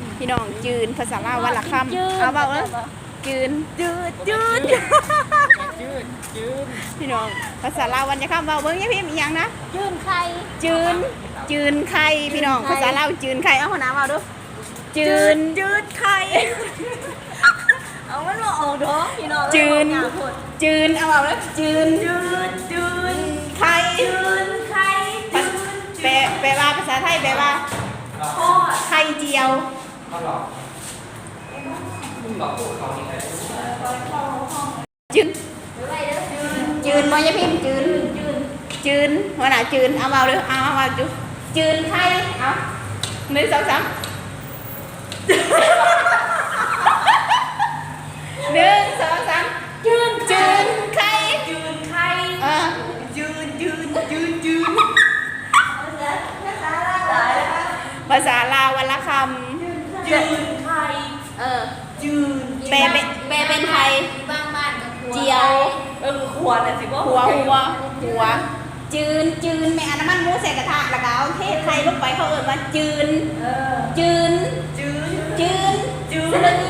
พี่น้องจืนภาษาลาววันละคำเอาเบาเลยจืนพี่น้องภาษาลาววันละคำเบาเบิ้งยังพิมพ์อีกอย่างนะจืนไข่พี่น้องภาษาลาวจืนไข่เอาหัวหน้าเบาดูจืนไข่เอามันมาออกดอกพี่น้องจืนเอาเบาเลยจืนไข่แปลว่าภาษาไทยแปลว่าไข่เจียวจืนมอยพิมพ์จืนหัวหน้าจืนเอาเบาเลยเอาจืนไข่เอา1 2 3 1 2 3จืนไข่ภาษาลาววันละคำจืนไข่แปลเป็นไทยเจียวขวดน่ะสิบ่หัวจืนแม่อันน้ำมันหมูใส่กระทะแล้วก็เอาเทไข่ลงไปเขาเอิ้นว่าจืนสลึง